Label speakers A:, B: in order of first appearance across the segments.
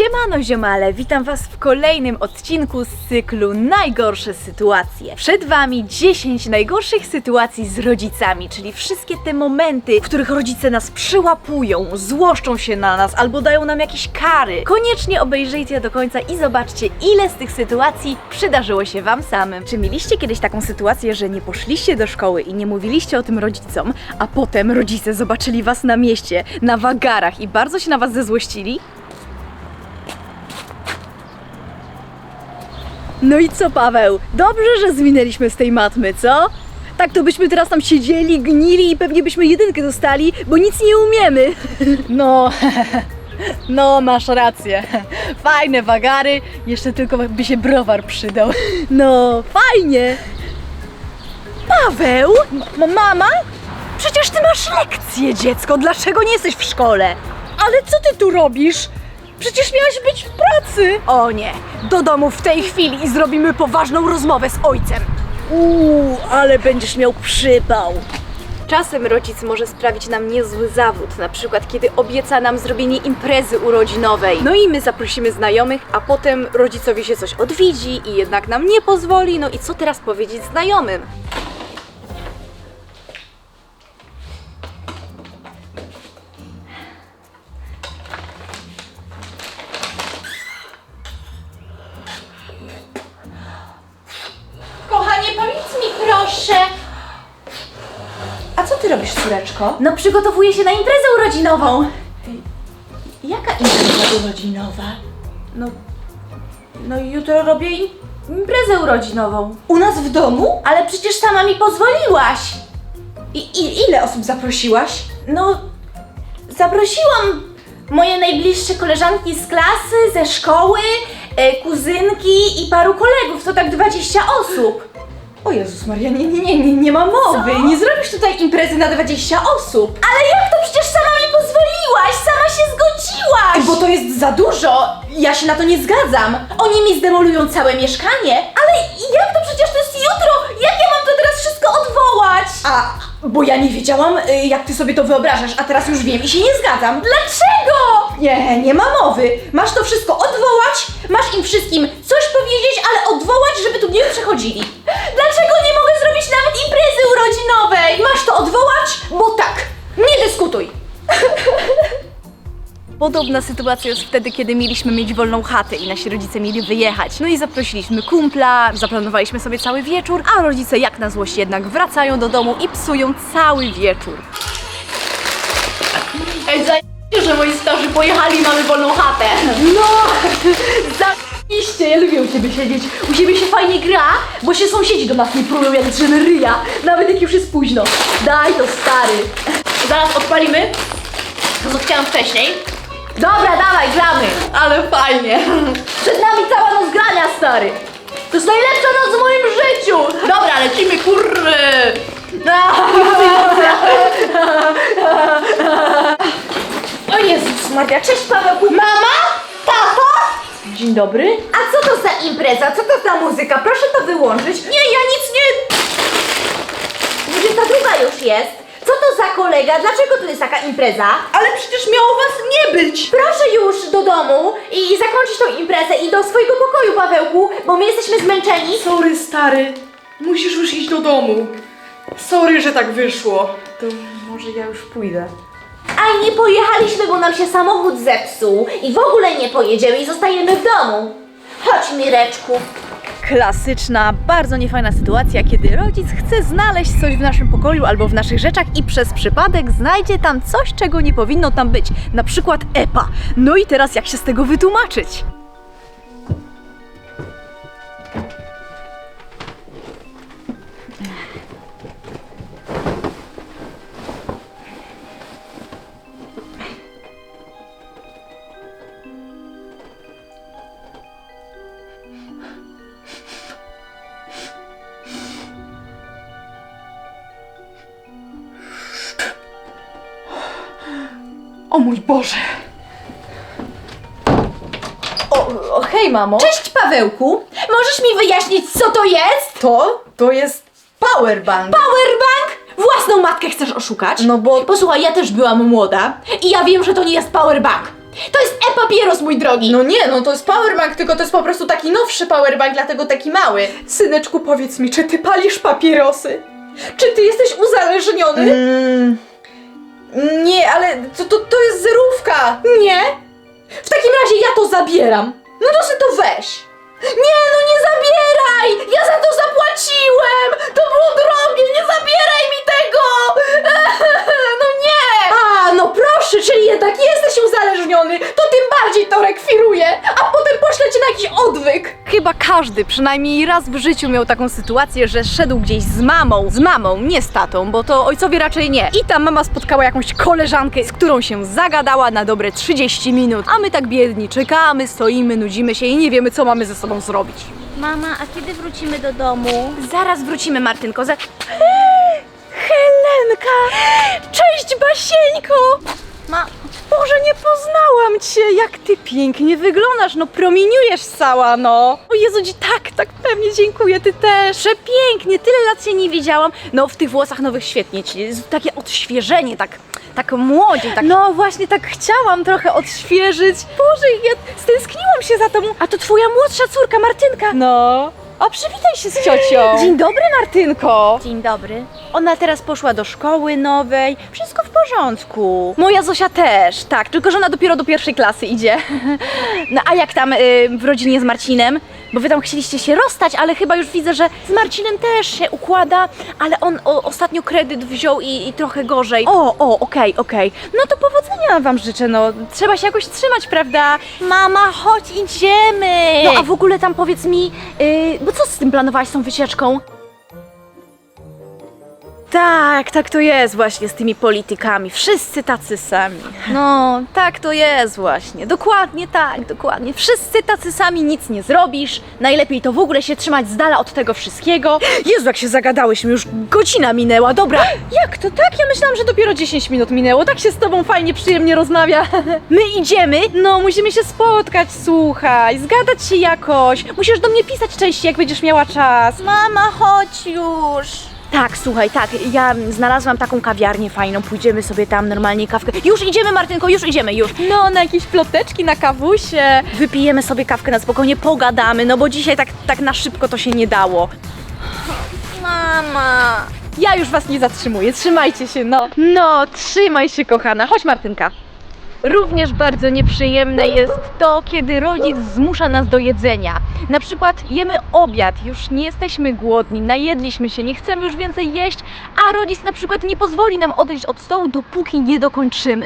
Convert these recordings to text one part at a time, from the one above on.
A: Siemano ziomale, witam was w kolejnym odcinku z cyklu Najgorsze sytuacje. Przed wami 10 najgorszych sytuacji z rodzicami, czyli wszystkie te momenty, w których rodzice nas przyłapują, złoszczą się na nas albo dają nam jakieś kary. Koniecznie obejrzyjcie do końca i zobaczcie, ile z tych sytuacji przydarzyło się wam samym. Czy mieliście kiedyś taką sytuację, że nie poszliście do szkoły i nie mówiliście o tym rodzicom, a potem rodzice zobaczyli was na mieście, na wagarach i bardzo się na was zezłościli? No i co, Paweł? Dobrze, że zwinęliśmy z tej matmy, co? Tak to byśmy teraz tam siedzieli, gnili i pewnie byśmy jedynkę dostali, bo nic nie umiemy. No, masz rację. Fajne wagary, jeszcze tylko by się browar przydał. No, fajnie. Paweł? Mama? Przecież ty masz lekcję, dziecko. Dlaczego nie jesteś w szkole? Ale co ty tu robisz? Przecież miałaś być w pracy! O nie, do domu w tej chwili i zrobimy poważną rozmowę z ojcem. Ale będziesz miał przypał. Czasem rodzic może sprawić nam niezły zawód, na przykład kiedy obieca nam zrobienie imprezy urodzinowej. No i my zaprosimy znajomych, a potem rodzicowi się coś odwiedzi i jednak nam nie pozwoli. No i co teraz powiedzieć znajomym?
B: Kochanie, powiedz mi proszę. A co ty robisz, córeczko?
A: No przygotowuję się na imprezę urodzinową.
B: Jaka impreza urodzinowa?
A: No jutro robię imprezę urodzinową.
B: U nas w domu?
A: Ale przecież sama mi pozwoliłaś.
B: I ile osób zaprosiłaś?
A: No, zaprosiłam moje najbliższe koleżanki z klasy, ze szkoły, kuzynki i paru kolegów, to tak 20 osób.
B: O Jezus Maria, nie ma mowy.
A: Co?
B: Nie zrobisz tutaj imprezy na 20 osób.
A: Ale jak to przecież sama mi pozwoliłaś, sama się zgodziłaś!
B: Bo to jest za dużo. Ja się na to nie zgadzam. Oni mi zdemolują całe mieszkanie.
A: Ale jak to przecież to jest jutro? Jak ja mam to teraz wszystko odwołać?
B: Bo ja nie wiedziałam, jak ty sobie to wyobrażasz, a teraz już wiem i się nie zgadzam.
A: Dlaczego?
B: Nie ma mowy. Masz to wszystko odwołać, masz im wszystkim coś powiedzieć, ale odwołać, żeby tu nie przychodzili.
A: Dlaczego nie mogę zrobić nawet imprezy urodzinowej?
B: Masz to odwołać, bo tak. Nie dyskutuj.
A: Podobna sytuacja jest wtedy, kiedy mieliśmy mieć wolną chatę i nasi rodzice mieli wyjechać. No i zaprosiliśmy kumpla, zaplanowaliśmy sobie cały wieczór, a rodzice jak na złość jednak wracają do domu i psują cały wieczór.
B: Ej, zajebiście, że moi starzy pojechali, mamy wolną chatę.
A: No! Zajebiście! Ja lubię u ciebie siedzieć. U ciebie się fajnie gra, bo się sąsiedzi do nas nie prują jak drzyny ryja. Nawet jak już jest późno. Daj to, stary.
B: Zaraz odpalimy. To co chciałam wcześniej.
A: Dobra, dawaj, gramy.
B: Ale fajnie.
A: Przed nami cała noc grania, stary. To jest najlepsza noc w moim życiu.
B: Dobra, lecimy, kurry. O Jezus Maria, cześć Pawełku. Mama? Tato?
A: Dzień dobry.
B: A co to za impreza? Co to za muzyka? Proszę to wyłączyć. Nie, ja nic nie...
A: 22 już jest. Co to za kolega? Dlaczego tu jest taka impreza?
B: Ale przecież miało was nie być.
A: Proszę już do domu i zakończyć tą imprezę i do swojego pokoju, Pawełku, bo my jesteśmy zmęczeni.
C: Sorry, stary. Musisz już iść do domu. Sorry, że tak wyszło. To może ja już pójdę.
A: A nie pojechaliśmy, bo nam się samochód zepsuł i w ogóle nie pojedziemy i zostajemy w domu. Chodź, Mireczku. Klasyczna, bardzo niefajna sytuacja, kiedy rodzic chce znaleźć coś w naszym pokoju albo w naszych rzeczach i przez przypadek znajdzie tam coś, czego nie powinno tam być. Na przykład EPA. No i teraz jak się z tego wytłumaczyć?
C: O mój Boże!
A: Hej, mamo.
B: Cześć Pawełku. Możesz mi wyjaśnić, co to jest?
C: To jest powerbank.
B: Powerbank? Własną matkę chcesz oszukać?
C: No bo...
B: Posłuchaj, ja też byłam młoda i ja wiem, że to nie jest powerbank. To jest e-papieros, mój drogi!
C: No nie, no to jest powerbank, tylko to jest po prostu taki nowszy powerbank, dlatego taki mały. Syneczku, powiedz mi, czy ty palisz papierosy? Czy ty jesteś uzależniony? Nie, ale to jest zerówka.
B: Nie? W takim razie ja to zabieram. No to sobie to weź. Nie, no nie zabieraj! Ja za to zapłaciłem! To było drogie, nie zabieraj mi tego! No nie! A, no proszę, czyli jednak jesteś uzależniony, to tym bardziej to rekwiruję, a potem poślę cię na jakiś odwyk.
A: Chyba każdy przynajmniej raz w życiu miał taką sytuację, że szedł gdzieś z mamą, nie z tatą, bo to ojcowie raczej nie. I ta mama spotkała jakąś koleżankę, z którą się zagadała na dobre 30 minut, a my tak biedni czekamy, stoimy, nudzimy się i nie wiemy, co mamy ze sobą zrobić.
B: Mama, a kiedy wrócimy do domu?
A: Zaraz wrócimy, Martynko. Helenka! Cześć, Basieńko! Boże, nie poznałam cię! Jak ty pięknie wyglądasz, no promieniujesz cała, no! O Jezu, tak pewnie dziękuję, ty też! Przepięknie, tyle lat cię nie widziałam. No, w tych włosach nowych świetnie ci, takie odświeżenie, tak młodziej, tak... No właśnie, tak chciałam trochę odświeżyć. Boże, ja stęskniłam się za tobą. A to twoja młodsza córka, Martynka. No. O, przywitaj się z ciocią. Dzień dobry, Martynko.
B: Dzień dobry.
A: Ona teraz poszła do szkoły nowej. Wszystko w porządku. Moja Zosia też, tak, tylko że ona dopiero do 1. klasy idzie. No a jak tam w rodzinie z Marcinem? Bo wy tam chcieliście się rozstać, ale chyba już widzę, że z Marcinem też się układa, ale on ostatnio kredyt wziął i trochę gorzej. Okej. No to powodzenia wam życzę, no. Trzeba się jakoś trzymać, prawda?
B: Mama, chodź, idziemy!
A: No a w ogóle tam powiedz mi, bo co z tym planowałaś, z tą wycieczką? Tak to jest właśnie z tymi politykami. Wszyscy tacy sami. No, tak to jest właśnie. Dokładnie tak, dokładnie. Wszyscy tacy sami, nic nie zrobisz. Najlepiej to w ogóle się trzymać z dala od tego wszystkiego. Jezu, jak się zagadałyśmy, już godzina minęła, dobra. Jak to tak? Ja myślałam, że dopiero 10 minut minęło. Tak się z tobą fajnie, przyjemnie rozmawia. My idziemy? No, musimy się spotkać, słuchaj, zgadać się jakoś. Musisz do mnie pisać częściej, jak będziesz miała czas.
B: Mama, chodź już!
A: Tak, słuchaj, tak, ja znalazłam taką kawiarnię fajną, pójdziemy sobie tam normalnie kawkę. Już idziemy, Martynko, już idziemy, już. No, na jakieś ploteczki, na kawusie. Wypijemy sobie kawkę na spokojnie, pogadamy, no bo dzisiaj tak na szybko to się nie dało.
B: Mama!
A: Ja już was nie zatrzymuję, trzymajcie się, no. No, trzymaj się, kochana. Chodź, Martynka. Również bardzo nieprzyjemne jest to, kiedy rodzic zmusza nas do jedzenia. Na przykład jemy obiad, już nie jesteśmy głodni, najedliśmy się, nie chcemy już więcej jeść, a rodzic na przykład nie pozwoli nam odejść od stołu, dopóki nie dokończymy.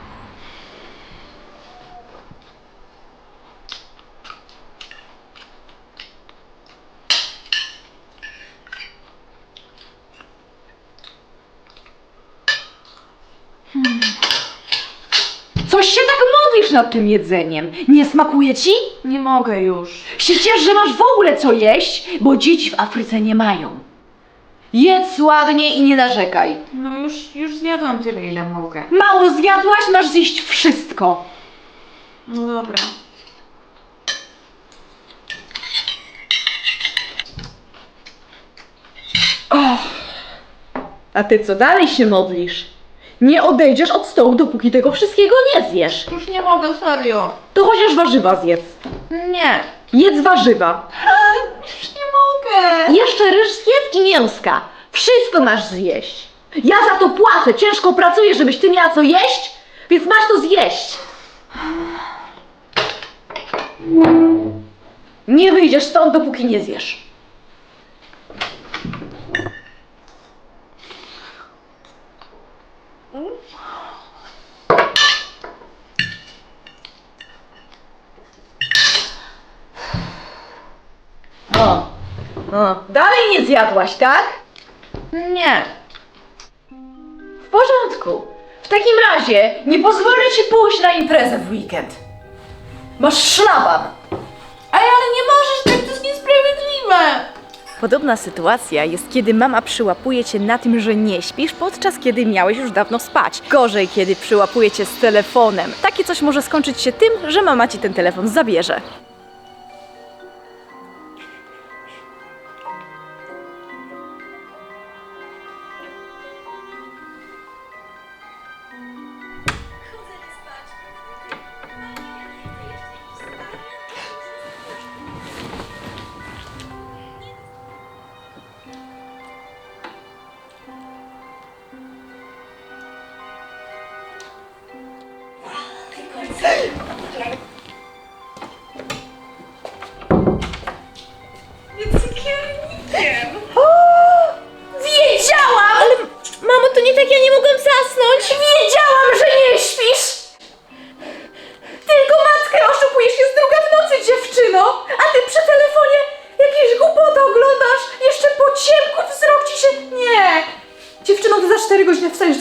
A: Coś się tak modlisz nad tym jedzeniem. Nie smakuje ci?
C: Nie mogę już.
A: Się ciesz, że masz w ogóle co jeść, bo dzieci w Afryce nie mają. Jedz ładnie i nie narzekaj.
C: No już zjadłam tyle, ile mogę.
A: Mało zjadłaś, masz zjeść wszystko.
C: No dobra.
A: A ty co dalej się modlisz? Nie odejdziesz od stołu, dopóki tego wszystkiego nie zjesz.
C: Już nie mogę, serio.
A: To chociaż warzywa zjedz.
C: Nie.
A: Jedz warzywa.
C: Już nie mogę.
A: Jeszcze ryż zjedz i mięska. Wszystko masz zjeść. Ja za to płacę, ciężko pracuję, żebyś ty miała co jeść, więc masz to zjeść. Nie wyjdziesz stąd, dopóki nie zjesz. Dalej nie zjadłaś, tak?
C: Nie.
A: W porządku. W takim razie nie pozwolę ci pójść na imprezę w weekend. Masz szlaban.
C: Ale nie możesz, tak to jest niesprawiedliwe.
A: Podobna sytuacja jest, kiedy mama przyłapuje cię na tym, że nie śpisz, podczas kiedy miałeś już dawno spać. Gorzej, kiedy przyłapuje cię z telefonem. Takie coś może skończyć się tym, że mama ci ten telefon zabierze.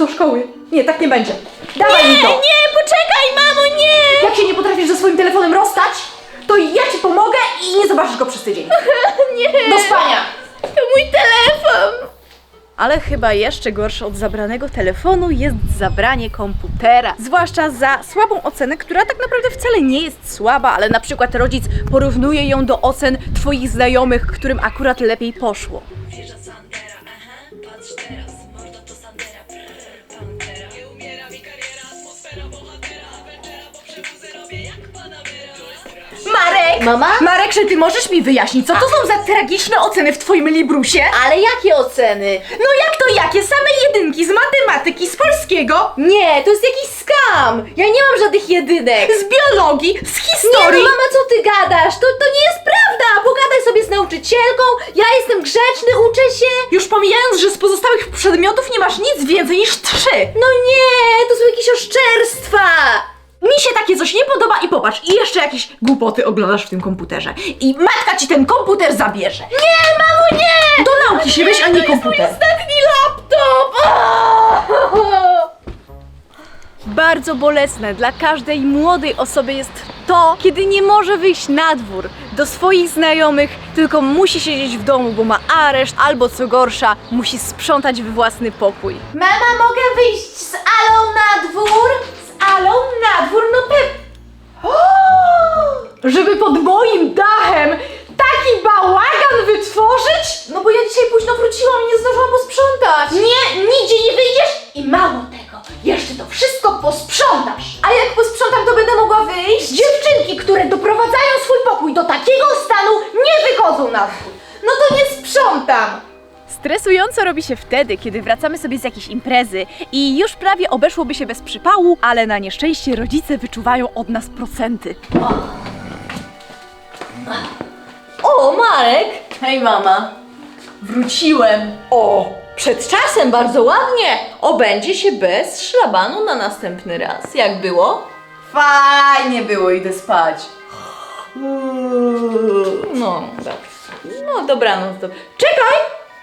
C: do szkoły. Nie, tak nie będzie. Dawaj mi to!
A: Nie, poczekaj, mamo, nie!
C: Jak się nie potrafisz ze swoim telefonem rozstać, to ja ci pomogę i nie zobaczysz go przez tydzień.
A: Nie!
C: Do spania!
A: To mój telefon! Ale chyba jeszcze gorsze od zabranego telefonu jest zabranie komputera. Zwłaszcza za słabą ocenę, która tak naprawdę wcale nie jest słaba, ale na przykład rodzic porównuje ją do ocen twoich znajomych, którym akurat lepiej poszło. Marek!
B: Mama?
A: Marek, czy ty możesz mi wyjaśnić, co to są za tragiczne oceny w twoim librusie?
B: Ale jakie oceny?
A: No jak to jakie? Same jedynki z matematyki, z polskiego,
B: Nie, to jest jakiś skam! Ja nie mam żadnych jedynek!
A: z biologii, z
B: Nie
A: historii.
B: no mama, co ty gadasz? To nie jest prawda! Pogadaj sobie z nauczycielką, ja jestem grzeczny, uczę się!
A: Już pomijając, że z pozostałych przedmiotów nie masz nic więcej niż 3.
B: No nie, to są jakieś oszczerstwa!
A: Mi się takie coś nie podoba i popatrz, i jeszcze jakieś głupoty oglądasz w tym komputerze. I matka ci ten komputer zabierze.
B: Nie, mamo, nie!
A: Do nauki się weź, a nie komputer.
B: Ostatni laptop!
A: Bardzo bolesne dla każdej młodej osoby jest to, kiedy nie może wyjść na dwór do swoich znajomych, tylko musi siedzieć w domu, bo ma areszt, albo co gorsza, musi sprzątać we własny pokój.
B: Mama, mogę wyjść z Alą na dwór? Z Alą na dwór? No
C: Żeby pod moim dachem taki bałagan wytworzyć?
B: No bo ja dzisiaj późno wróciłam i nie zdążyłam posprzątać.
C: Nie, nigdzie nie wyjdziesz i mało tego, jeszcze to wszystko posprzątasz.
B: A jak posprzątam, to będę mogła wyjść?
C: Dziewczynki, które doprowadzają swój pokój do takiego stanu, nie wychodzą na dwór.
B: No to nie sprzątam.
A: Stresująco robi się wtedy, kiedy wracamy sobie z jakiejś imprezy i już prawie obeszłoby się bez przypału, ale na nieszczęście rodzice wyczuwają od nas procenty.
B: O, Marek!
A: Hej mama, wróciłem.
B: O, przed czasem bardzo ładnie. Obędzie się bez szlabanu na następny raz. Jak było?
A: Fajnie było, idę spać.
B: No, dobrze. No, dobranoc. Czekaj!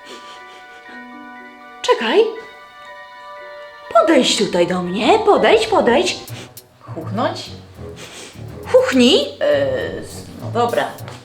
B: Czekaj. Podejdź tutaj do mnie. Podejdź.
A: Chuchnąć?
B: Chuchnij.
A: No dobra.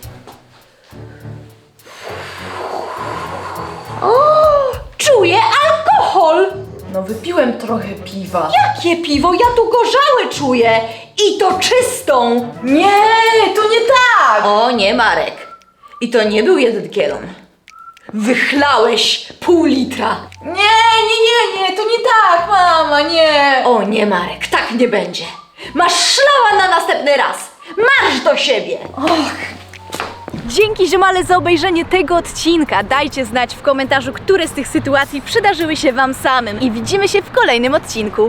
B: O, czuję alkohol.
A: No wypiłem trochę piwa.
B: Jakie piwo? Ja tu gorzałe czuję. I to czystą.
A: Nie, to nie tak!
B: O nie, Marek. I to nie był 1 kielon. Wychlałeś pół litra.
A: Nie, to nie tak, mama, nie.
B: O nie, Marek, tak nie będzie. Masz szlała na następny raz. Marsz do siebie.
A: Dzięki ziomale za obejrzenie tego odcinka. Dajcie znać w komentarzu, które z tych sytuacji przydarzyły się wam samym i widzimy się w kolejnym odcinku.